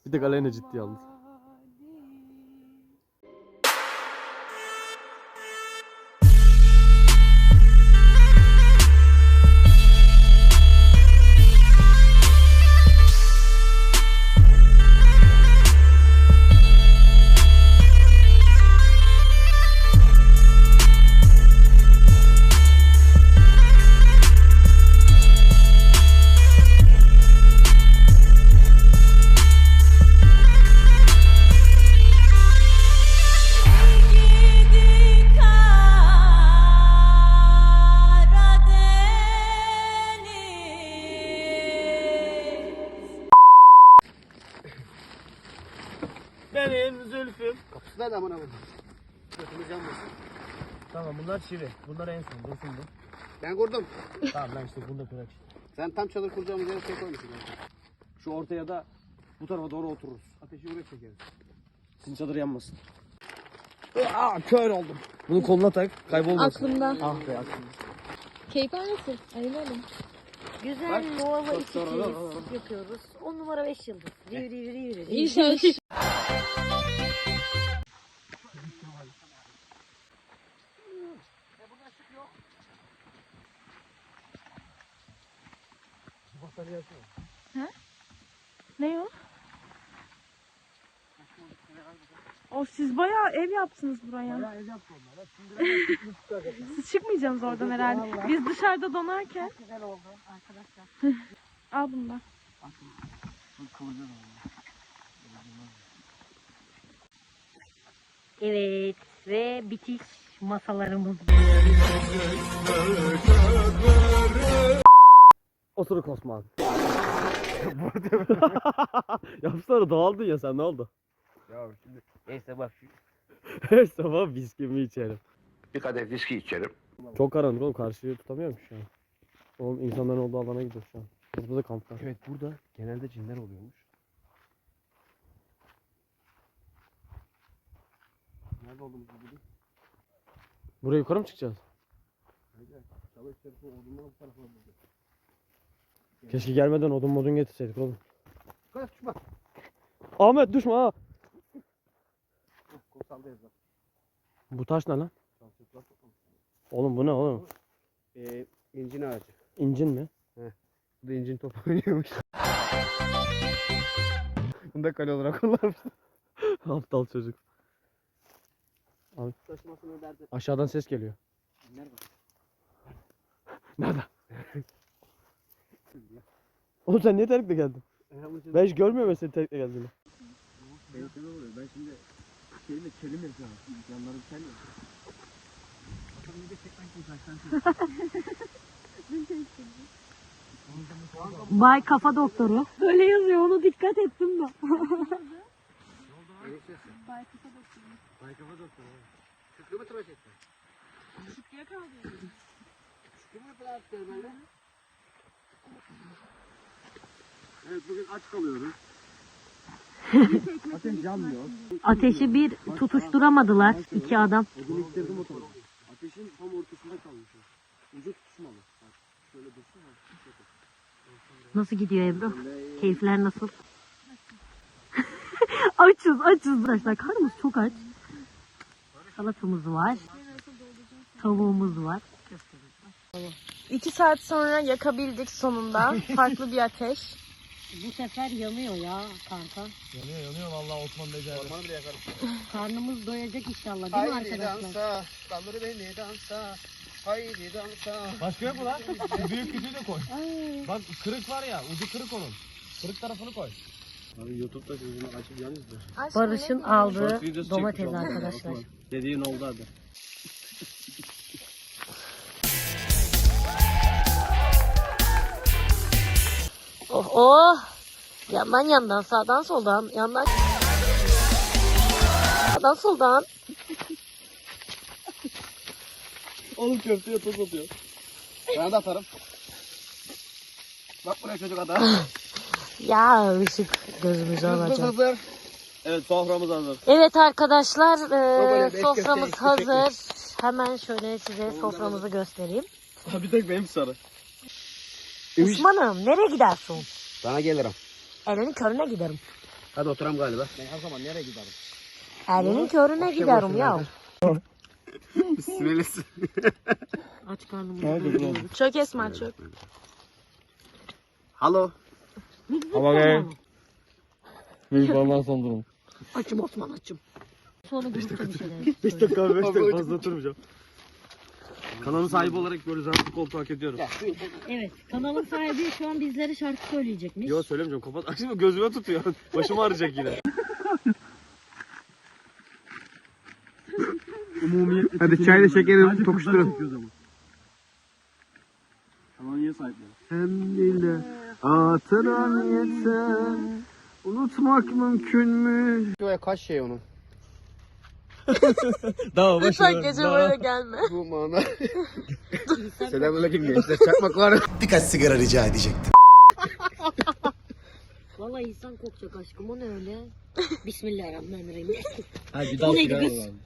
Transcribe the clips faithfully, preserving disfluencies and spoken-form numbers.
Bir de Aleyna ciddiye aldı. Benim Zülfüm. Kapısı nerede amına koyayım? Götümüz yanmasın. Tamam bunlar çivi. Bunlar en son. Dursun bu. Ben kurdum. Tamam ben işte bunu da kıraç. Sen tam çadır kuracağımız yere şey koymuşsun. Şu ortaya da bu tarafa doğru otururuz. Ateşi buraya çekeriz. Sizin çadır yanmasın. Aa kör oldum. Bunu koluna tak. Kaybolmasın. Aklımda. Ah be aklımda. Keyifler nasıl? Ayıp oğlum. Güzel Nova iki kez yapıyoruz. on numara beş yıldız. Riv riv riv riv. İnşallah. Ha? Ne o? O siz bayağı ev yaptınız buraya. Bayağı ev yaptı onlar. Siz çıkmayacaksınız oradan herhalde. Biz dışarıda donarken. Çok güzel oldu arkadaşlar. Al bundan. Evet ve bitiş masalarımız. Oturuk Osman. Yapsana dağıldın ya sen, ne oldu? Ya şimdi neyse bak. Her sabah viskimi içerim. Bir kadeh viski içerim. Çok karanlık oğlum, karşıyı tutamıyorum şu an. Oğlum insanların olduğu alana gidiyoruz şu an. Burada da kamp var. Evet burada genelde cinler oluyormuş. Nerede olduğumuzu bulduk. Buraya yukarı mı çıkacağız? Çalı içerisi odunlar bu tarafa buldu. Keşke gelmeden odun modun getirseydik oğlum. Kaç düşme. Ahmet düşme ha. Kosaldayız bak. Bu taş ne lan? Çalçıklar toplamış. Oğlum bu ne oğlum? Ee, incin ağacı. İncin mi? Bu da incin toplanıyormuş. Bunu da kale olarak kullanmış. Aptal çocuk. Abi. Taşımasını derdi. Aşağıdan ses geliyor. Nerede? Nerede? Oğlum sen niye terlikle geldin? Ben hiç görmüyorum seni terlikle geldiğini. Benim şöyle oluyor. Ben şimdi şeyle kelim yapıyorum. Yanlarım kel ya. Bakalım bir de çekmek için kaçtan Bay kafa doktoru. Böyle yazıyor onu dikkat ettim de. Bay kafa doktoru. Bay kafa doktoru. Şükrü mü tıraş etti? Şükrü'ye kaldı. Şükrü mü tıraş etti böyle? Evet bugün aç kalıyoruz. Ateş yanmıyor. Ateşi bir tutuşturamadılar iki adam. Odunu ittirdim otomatik. Ateşin tam ortasında kalmış. Ucu tutuşmalı. Bak şöyle dursun ha. Nasıl gidiyor Ebru? Keyifler nasıl? açız açız arkadaşlar. Karnımız çok aç. Salatamız var. Tavuğumuz var. İki saat sonra yakabildik sonunda. Farklı bir ateş. Bu sefer yanıyor ya kanka. Yanıyor yanıyor vallahi Osman becerdi. Ormanı bile yakarım. Karnımız doyacak inşallah değil mi Haydi arkadaşlar? dansa, kaldır beni dansa. Haydi dansa. Başka yok mu lan? Büyük küçüğü de koy. Bak kırık var ya, ucu kırık onun. Kırık tarafını koy. Abi YouTube'da gözünü açıp yalnız da. Barış'ın aldığı domates arkadaşlar. Dediğin oldu abi. Oh oh. Yandan yandan sağdan soldan yandan sağdan soldan. Oğlum köfteye toz atıyor. Ben de atarım. Bak buraya çocuk adam. Ya ışık gözümüzü alacak. Hazır. Evet, soframız hazır. Evet arkadaşlar e, Babayla beş soframız köfte, hazır. Hemen şöyle size soframızı göstereyim. Bir tek benim sarı. Osman'ım nereye gidersin? Sana gelirim. Elinin körüne giderim. Hadi oturam galiba. Ben her zaman nereye giderim? Elinin körüne giderim ya. Bismillah. Aç karnımı. Çök Esma çök. Halo. Ama gel. Büyük parmağın son durum. Açım Osman açım. Sonra grupta bir şeyler. beş dakika beş dakika fazla oturmayacağım. Kanalın sahibi olarak böyle rahatlı koltuğu hak ediyorum. Evet, kanalın sahibi şu an bizlere şarkı söyleyecekmiş. Yok söylemeyeceğim kapat. Şimdi gözüme tutuyor. Başım ağrıyacak yine. Umumiyetle Hadi çayla şekeri tokuşturun. Kanalın niye sahipleri? Hem dile hatıran yeter. Unutmak mümkün mü? Şuraya kaç şey onun? Daha Lütfen gece böyle gelme. Bu mana. Selamünaleyküm gençler. Çakmak var. Birkaç sigara rica edecektim. Vallahi insan kokacak aşkım, o ne öyle? Bismillahirrahmanirrahim. Hadi daha Bu neydi sigara kız? alalım.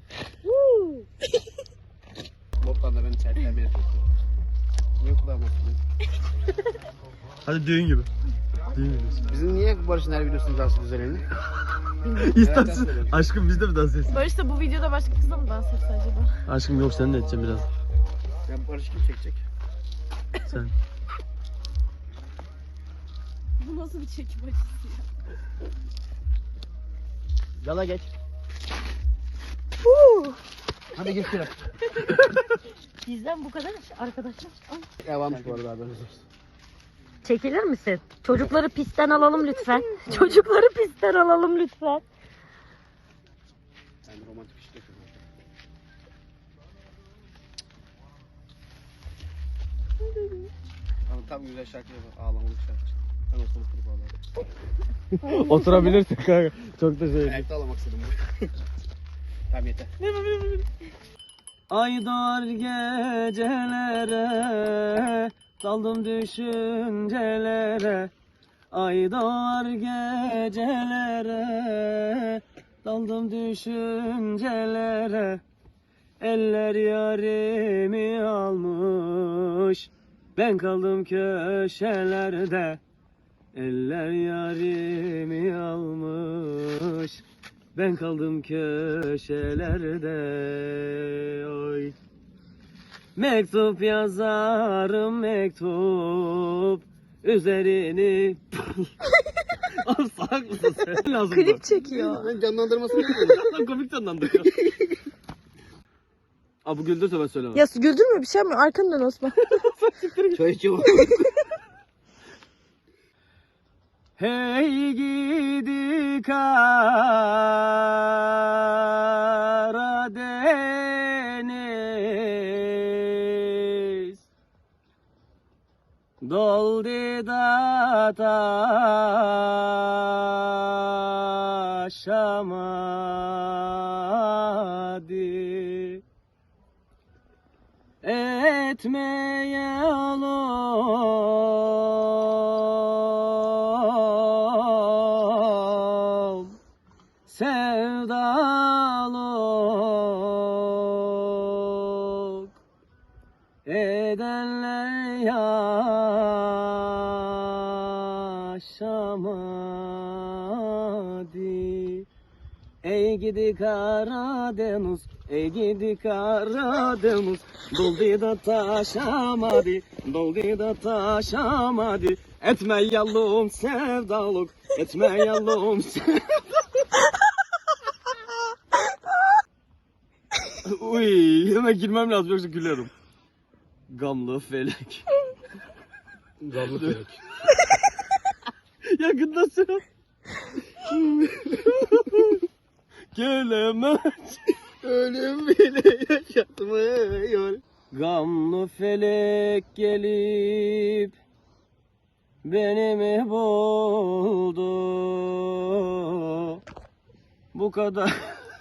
Boktan da beni çerçevelemeye çalışıyor. Niye kulağıma atıyorsun? Hadi düğün gibi. Düğün gibi. Bizim niye Barış'ın her videosunu dansı düzenini? İstersin. Aşkım biz de mi dans etsin? Barış da bu videoda başka kızla mı dans etse acaba? Aşkım yok sen de edeceğim biraz. Ya Barış kim çekecek? Sen. Bu nasıl bir çekim açısı ya? Yala geç. Hadi gir şuraya. Bizden bu kadar arkadaşlar. Ya varmış bu arada haberiniz olsun. Çekilir misin? Çocukları pistten alalım lütfen. Çocukları pistten alalım lütfen. Yani romantik işte yapıyorum. Ama tam güzel şarkı yapar. Ağlamalık şarkı. Ben olsam oturup ağlarım. Oturabilirsin kanka. Çok da şey. Ayakta ağlamak istedim. Tamam yeter. Ay dar gecelere, daldım düşüncelere. Ay dar gecelere, daldım düşüncelere. Eller yarimi almış, ben kaldım köşelerde. Eller yarimi almış, ben kaldım köşelerde. Oy. Mektup yazarım mektup, üzerini... Abi salak mısın sen? Lazım Klip çekiyor. Ben canlandırmasını yapıyorum. Lan komik canlandırıyor. Abi bu güldürse ben söylemem. Ya güldürme bir şey mi? Arkandan Osman. Çay içiyorum. Hey gidi Karadeniz, doldu da taşamadı, etmeye oğlum sevdaluk edenler yaşamadı. Ey gidi Karadeniz, ey gidi Karadeniz, doldu da taşamadı, doldu da taşamadı. Etme yallum sevdalık, etme yallum sevdalık. Uy, hemen girmem lazım yoksa gülerim. Gamlı felek. Gamlı felek. Yakındasın. Gelemez. Ölüm bile yaşatmıyor. Gamlı felek gelip beni mi buldu? Bu kadar.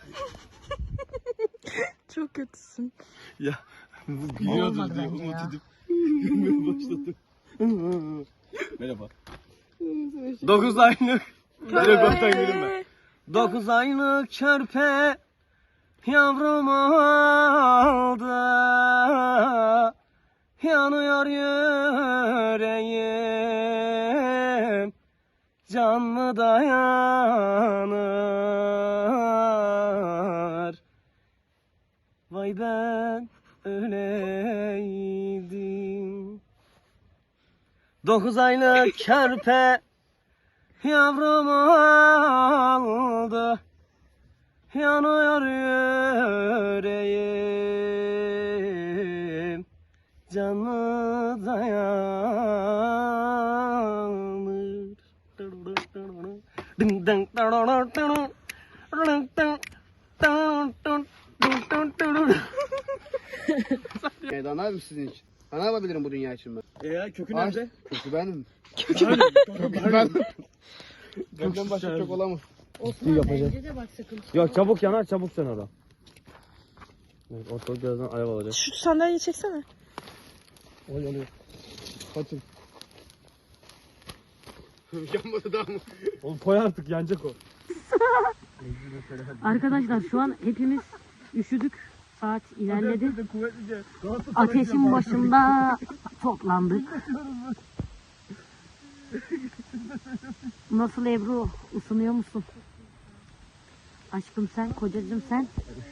Çok kötüsün. Ya bu gülüyordur Olmadı diye bence umut ya. edip gülmeye başladım. Merhaba. Dokuz aylık. Direkt ortadan gülüm. Dokuz aylık körpe yavrumu aldı. Yanıyor yüreğim, can mı mı dayanır? Vay ben öleydim. Dokuz aylık körpe yavrum oldu. Yanıyor yüreğim, canı dayanır. Ding ding Meydan abi sizin için. Ben ne yapabilirim bu dünya için ben? E ya kökü Ağaç- nerede? Kökü benim. Kökü Ben. Benden başka çok olamaz. Osman yapacağım. bence de bak sakın. Yok çabuk yanar çabuk sen orada. Evet, ortalık birazdan alev alacak. Şu sandalyeyi çeksene. Oy yanıyor. Kaçın. Yanmadı daha mı? Oğlum koy artık yanacak o. Arkadaşlar şu an hepimiz üşüdük. Saat ilerledi. Ateşin başında toplandık. Nasıl Ebru? Isınıyor musun? Aşkım sen, kocacığım sen.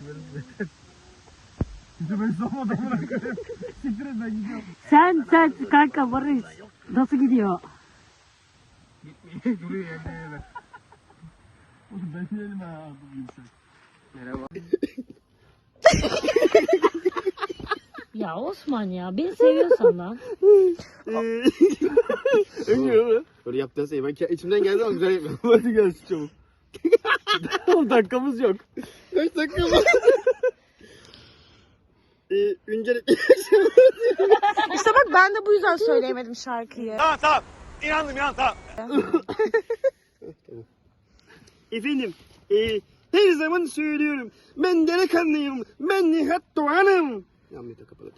Sen sen kanka Barış. Nasıl gidiyor? Duruyor yerde yerde. Oğlum ben yerim ha. Merhaba. Ya Osman ya beni seviyorsan lan. Ölmüyor mu? Böyle yaptığın şey ben ke- içimden geldi ama güzel yapıyorum. Hadi gel çabuk. on dakikamız yok. Kaç dakika var? ee, öncelikle İşte bak ben de bu yüzden söyleyemedim şarkıyı. efendim e, her zaman söylüyorum ben delikanlıyım, ben Nihat Doğan'ım. Yanlış da kapalı.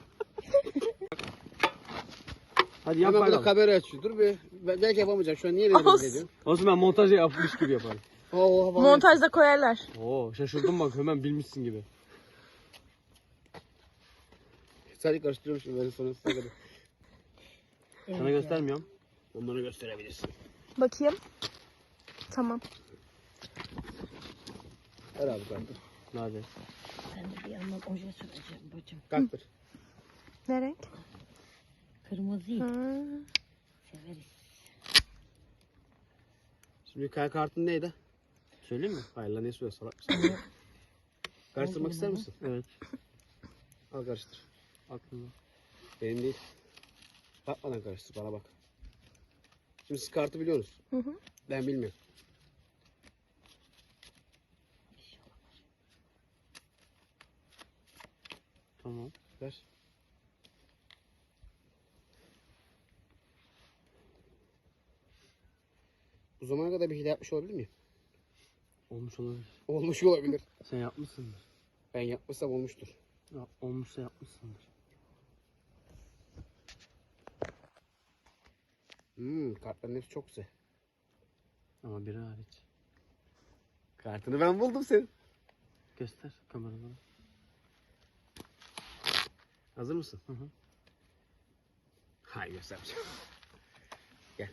Hadi yap Hemen burada bakalım. kamera açıyor. Dur bir. Ben- Belki yapamayacağım. Şu an niye rezil Olsun. ediyorsun? Olsun ben montajı yapmış gibi yaparım. Oo, hava- Montajda koyarlar. Oo şaşırdım bak hemen bilmişsin gibi. Sadece karıştırıyormuşum ben sonra size kadar. Sana göstermiyorum. Onları gösterebilirsin. Bakayım. Tamam. Ver abi kalktır. Hadi. Ben de bir yandan oje süreceğim bacım. Kalktır. Ne renk? Kırmızıyı Hı. severiz. Şimdi kay kartın neydi? Söyleyeyim mi? Hayır lan ne söyle salak mısın? Karıştırmak ister misin? Evet. Al karıştır. Aklımda. Benim değil. Bakmadan karıştır bana bak. Şimdi siz kartı biliyorsunuz. Hı hı. Ben bilmiyorum. Tamam. Ver. Bu zamana kadar bir hile yapmış olabilir miyim? Olmuş olabilir. Olmuş olabilir. Sen yapmışsındır. Ben yapmışsam olmuştur. Ya, olmuşsa yapmışsındır. Hmm, kartların hepsi çok güzel. Ama biri hariç. Kartını ben buldum senin. Göster kameradan. Hazır mısın? Hı hı. Hayır göstermeyeceğim. Gel.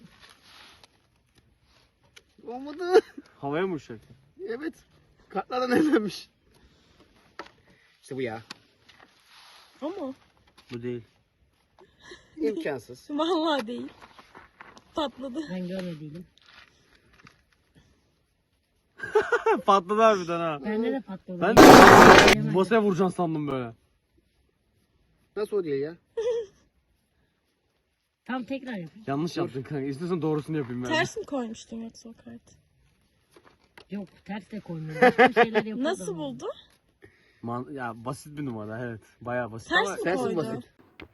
Olmadı. Havaya mı uçacak? Evet. Kartlardan evlenmiş. İşte bu ya. Ama Bu değil. İmkansız. vallahi değil. Patladı. Ben görmediydim. Patladı harbiden ha. Bende de patladı. Ben Bilemedim. masaya vuracaksın sandım böyle. Nasıl o değil ya? Tam tekrar yapayım. Yanlış yaptın kanka. İstiyorsan doğrusunu yapayım ben. Ters mi koymuştun yoksa o kartı? Yok ters de koymuyorum. Başka şeyler yapıyordum. Nasıl buldu? Man ya basit bir numara evet. Bayağı basit Ters ama mi sensiz koydu? basit.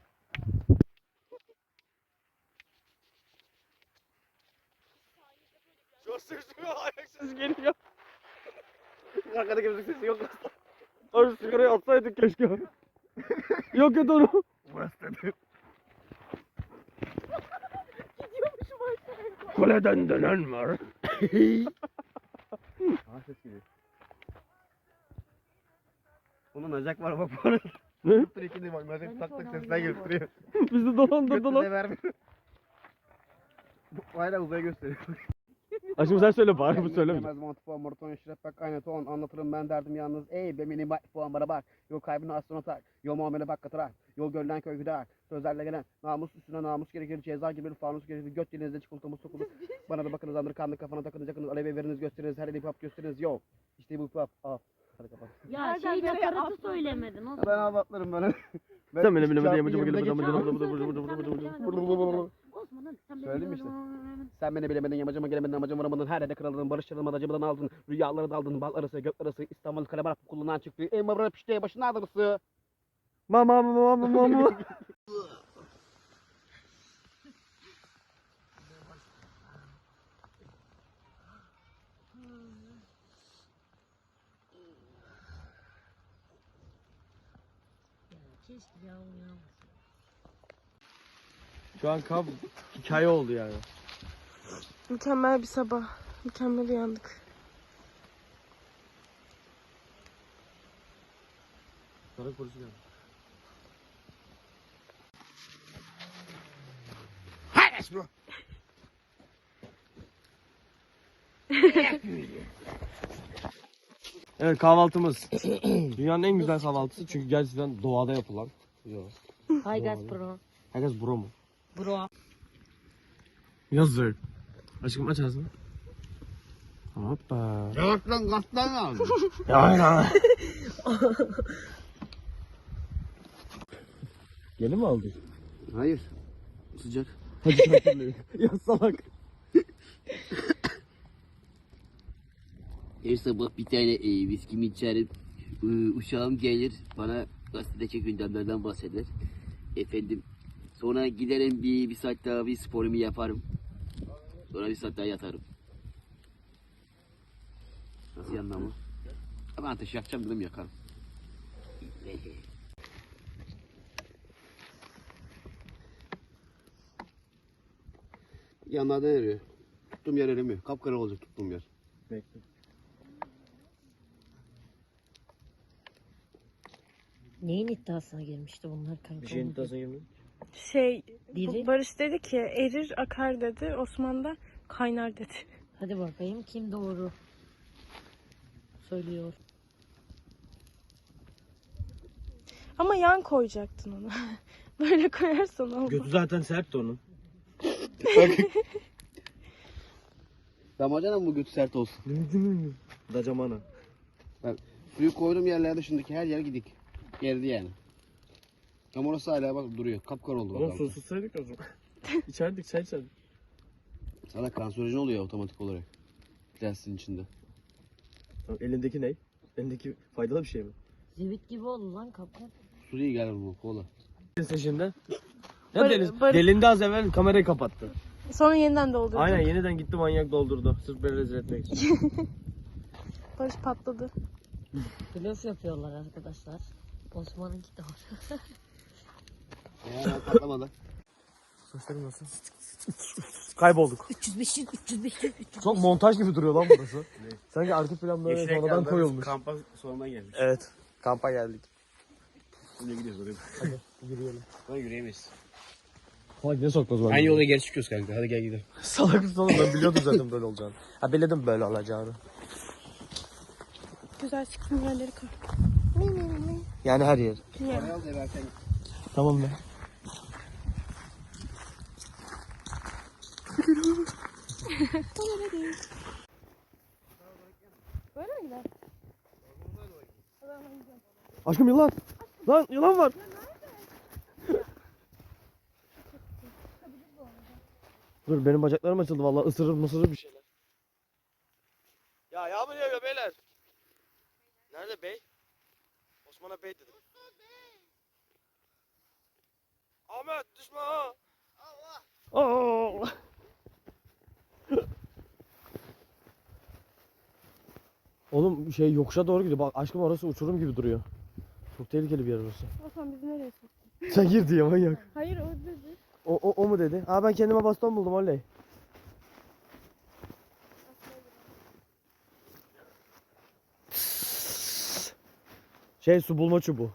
ses geliyor. Arkadaki müzik sesi yok aslında. Abi sigarayı atsaydık keşke. Yok et onu. Burası dedi. Kuleden dönen var. Aa ses geliyor. Onun acak var bak bu arada. Ne? Dur iki de bak. Acak tak tak sesler gösteriyor. Bizi dolandırdı Götüne lan. vermiyor. Hala uzaya gösteriyor. Aşkım sen söyle bari bu söyleme. Yemez mantıfon, maraton, eşref, bak aynı ton. Anlatırım ben derdim yalnız. Ey be mini bak, puan bana bak. Yol kaybını aslına tak. Yol muamele bak katırak. Yol görülen köy güder. Sözlerle gelen namus üstüne namus gerekir. Ceza gibi bir fanus gerekir. Göt dilinizde çikolatamız sokulur. Bana da bakınız andır kanlı kafana takınız yakınız. Alevi veriniz gösteriniz. Her hip hop gösteriniz. Yo. İşte bu hip hop. Al. Hadi kapat. Ya şey nakaratı söylemedin. O Ben anlatlarım ben. Sen beni bilemedin Çarpı yamacıma yirmide gelip geçiyorum. Osman'ın sen beni Söyledim işte. bilemedin. Sen beni bilemedin, yamacıma gelemedin, amacıma varamadın, her yerde kırıldın, barışçılığıma acımadan aldın, rüyaları daldın, bal arası, gök arası, İstanbul Kalebar Okulu'ndan çıktı, en mabra pişteye başın ağrısı. Mama mama mama mama. Keşke ya uyanmasın. Şu an kamp hikaye oldu yani. Mükemmel bir sabah. Mükemmel uyandık. Sağlık polisi geldi. Evet kahvaltımız. Dünyanın en güzel kahvaltısı çünkü gerçekten doğada yapılan. Yok. Hi guys bro. Herkes bro mu? Bro. Yazık. Aşkım aç ağzını. Hoppa. Yavaş lan, kastan lazım. Ya ya. Yeni mi aldın? Hayır, sıcak. Hadi hatırlayın. Ya salak. Her sabah bir tane e, viskimi içerim. E, uşağım gelir bana gazetedeki gündemlerden bahseder. Efendim sonra giderim bir, bir saat daha bir sporumu yaparım. Sonra bir saat daha yatarım. Nasıl yandı ama? Ama ateş yakacağım dedim yakarım. Yanlardan eriyor. Tuttuğum yer erimiyor. Kapkara olacak tuttuğum yer. Bekle. Neyin iddiasına girmişti bunlar kanka? Bir şeyin iddiasına girmiyor. Şey, Diri. Barış dedi ki erir akar dedi. Osman da kaynar dedi. Hadi bakayım kim doğru söylüyor. Ama yan koyacaktın onu. Böyle koyarsan olmaz. Götü zaten sert de onun. Damacana mı bu götü sert olsun? Dacamana. Suyu koyduğum yerler dışındaki her yer gidik. Gerdi yani. Ama orası hala bak duruyor. Kapkara oldu. Oğlum bak. susuzsaydık o zaman. İçerdik çay içerdik. Sana kanserojen oluyor otomatik olarak. Plastin içinde. Tamam, elindeki ne? Elindeki faydalı bir şey mi? Zivit gibi oldu lan kapı. Su değil galiba bu kola. Sen şimdi. Ya Bar- Deniz, bar- delindi az evvel kamerayı kapattı. Sonra yeniden doldurdu. Aynen yeniden gitti manyak doldurdu. Sırf beni rezil etmek için. Barış patladı. Blöf yapıyorlar arkadaşlar. Osman'ınki doğru. Eğer patlamadı. Saçlarım nasıl? Kaybolduk. üç yüz beş yüz üç yüz beş yüz üç yüz. Çok montaj gibi duruyor lan burası. Sanki arka plan böyle sonradan koyulmuş. Kampa sonuna gelmiş. Evet. Kampa geldik. Şimdi gidiyoruz oraya. Hadi yürüyelim. Ama yürüyemeyiz. Salak ne sokmaz var? Aynı yola geri çıkıyoruz kanka. Hadi gel gidelim. Salak mısın oğlum ben biliyordum zaten böyle olacağını. Ha biliyordum böyle olacağını. Güzel çıksın yerleri koy. Yani her yer. Parayı al da versen. Tamam be. Böyle mi gider? Aşkım yılan. Lan yılan var. Dur benim bacaklarım açıldı vallahi ısırır mısırır bir şeyler. Ya yağmur yağıyor beyler. Nerede bey? Osman'a bey dedim. Ahmet düşme ha. Allah. Allah. Oğlum şey yokuşa doğru gidiyor. Bak aşkım orası uçurum gibi duruyor. Çok tehlikeli bir yer orası. Osman bizi nereye soktun? Sen gir diye manyak. Hayır o dedi. O, o, o mu dedi? Aa ben kendime baston buldum oley. Şey su bulma çubuğu.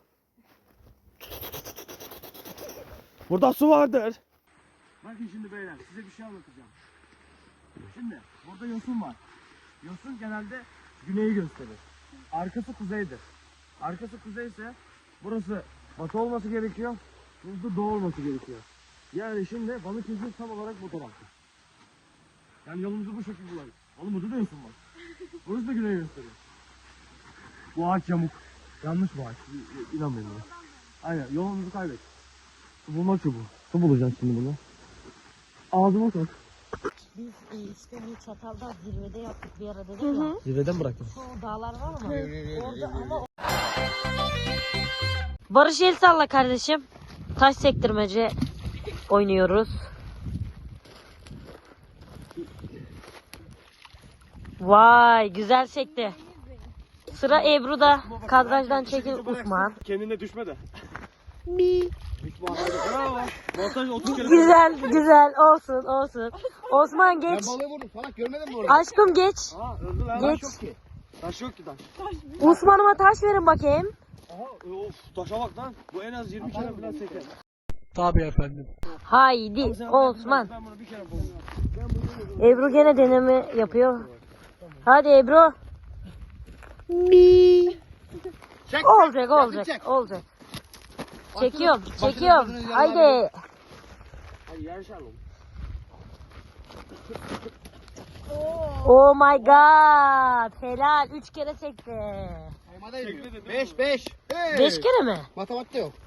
Burada su vardır. Bakın şimdi beyler size bir şey anlatacağım. Şimdi Burada yosun var. Yosun genelde güneyi gösterir. Arkası kuzeydir. Arkası kuzey ise burası batı olması gerekiyor. Burada doğu olması gerekiyor. Yani şimdi Balıkesir tam olarak bu tarafta. Yani yolumuzu bu şekilde bulalım. Oğlum burada da yosun var. Burası da güneyi gösteriyor. Bu ağaç yamuk. Yanlış bu ağaç. İ- İnanmayın bana. Aynen yolumuzu kaybet. Su bulma çubuğu. Su bulacağız şimdi bunu. Ağzıma sok. Biz e, işte bu Çatal'da zirvede yaptık bir ara dedik ya. Zirveden mi bıraktın? Şu dağlar var ama orada ama Barış el salla kardeşim. Taş sektirmece oynuyoruz. Vay güzel sekti. Sıra Ebru'da. Kadrajdan çekil Osman. Kendine düşme de. Bravo. Montaj otuz kere. Güzel güzel olsun olsun. Osman geç. Ben balığı vurdum. Salak görmedin mi orayı? Aşkım geç. Aa öldü lan. Geç. Taş yok ki. Taş yok ki taş. Osman'ıma taş verin bakayım. Aha of taşa bak lan. Bu en az yirmi kere falan seker. Haydi Osman. Ben bunu bir kere buldum. Ebru gene deneme yapıyor. Hadi Ebru. Çek. Olacak olacak çek. olacak. Çekiyorum çekiyorum. Haydi. Hadi yarışalım. Oh my god. Helal. Üç kere çekti. Beş beş. Hey. Beş kere mi? Matematikte yok.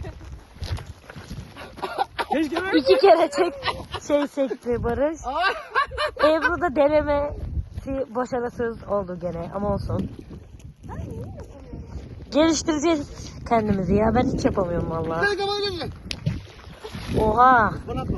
İki kere çek şey çekti Barış. Ebru da denemesi başarısız oldu gene ama olsun. Geliştireceğiz kendimizi ya. Ben hiç yapamıyorum vallahi. Hadi kafanı gözüne. Oha. Bana atma.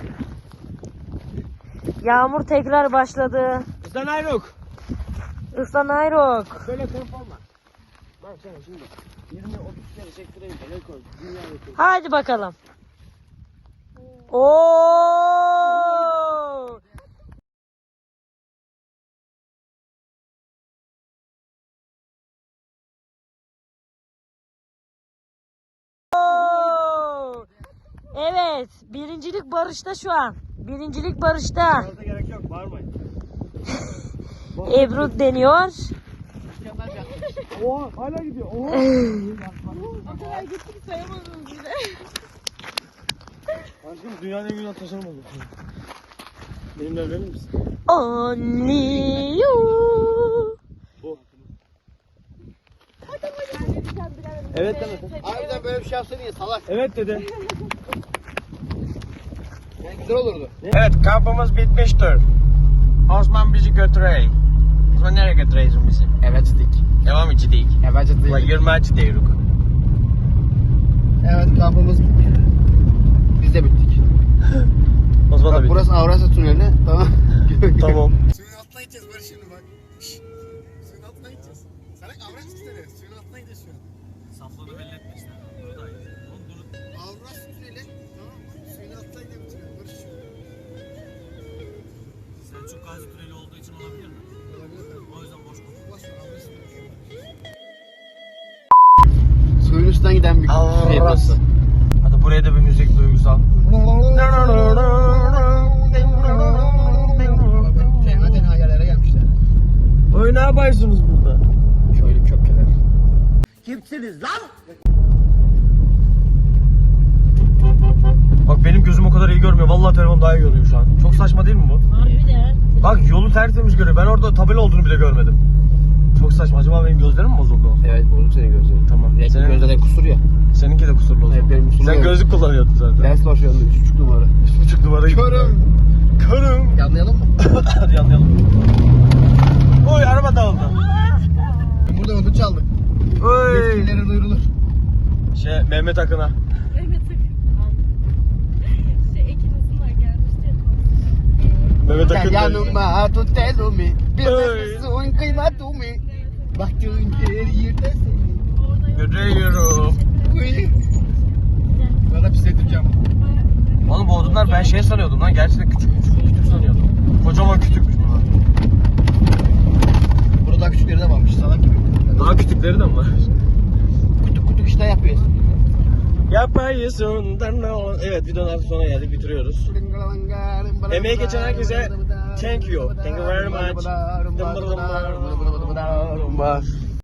Yağmur tekrar başladı. Sen ayrık. Islan Ayrok. Böyle telefon var. Bak sana şimdi. yirmi otuz kere çektireyim de rekor. Dünya rekoru. Hadi bakalım. Oo! Oo! Evet, birincilik Barış'ta şu an. Birincilik Barış'ta. Fazla gerek yok bağırmayın. Ebru deniyor. Oha hala gidiyor. Oha. O kadar gittik sayamadınız bile. Aşkım dünyanın en güzel tasarım oldu. Benimle evlenir misin? Only you. Bu. Evet deme. Harbiden böyle bir şey yapsaydın ya salak. Evet dedi. Yani güzel olurdu. Evet kampımız bitmiştir. Osman bizi götürey. Osman nereye götüreysin bizi? Evet dik. Devam içindeyiz. Evet dik. Ulan yirmi içindeyiz. Evet kampımız biz de bittik. Osman da Bak bitti. burası Avrasya Tüneli. Tamam. Tamam. Suyun altına gideceğiz Barış şimdi bak. Şşş. Suyun altına gideceğiz. Sana Avrasya Tüneli. Suyun altına gidiyoruz şu an. Saflığını belli etme işte. Avrasya Tüneli. Tamam mı? Suyun altına gidiyoruz Barış şimdi. Selçuk Gazi Tüneli olduğu için olabilir mi? O yüzden boş konuş. Boş ver Avrasya Tüneli. Suyun üstünden giden bir şey burası. Hadi buraya da bir müzik duygusal. Tenha tenha yerlere gelmişler. Oy ne yapıyorsunuz burada? Şöyle köpkeler. Bak benim gözüm o kadar iyi görmüyor. Vallahi telefon daha iyi görüyor şu an. Çok saçma değil mi bu? Harbiden. Bak yolu tertemiz görüyor. Ben orada tabela olduğunu bile görmedim. Çok saçma. Acaba benim gözlerim mi bozuldu? Evet bozuk senin gözlerin. Tamam. Senin Senin, gözlerin kusur ya. seninki de kusurlu o zaman. Evet, benim kusurlu Sen yok. gözlük kullanıyordun zaten. Ders başlarında üç buçuk numara. Üç buçuk numarayı. Körüm. Körüm. Yanlayalım mı? Hadi anlayalım. Oy araba dağıldı. Burada ödül çaldık. Oy. Yetkililere duyurulur. Şey Mehmet Akın'a. Mehmet Akın. Şey Ekin Uzunlar gelmişti. Mehmet Gel Akın. yanıma tut elimi. Bir Oy. nefesin kıymetimi. Baktığın her yerde seni. Görüyorum. Uy. Bana pis edeceğim. Oğlum bu odunlar ben şey sanıyordum lan. Gerçekten küçük küçük küçük sanıyordum. Kocaman küçükmüş bunlar. Burada daha küçükleri de varmış salak gibi. Daha küçükleri de mi var? Kutuk kutuk işte yapıyoruz. Yapayısın. Evet videonun artık sona geldik. Bitiriyoruz. Emeği geçen herkese Thank you. Thank you very much.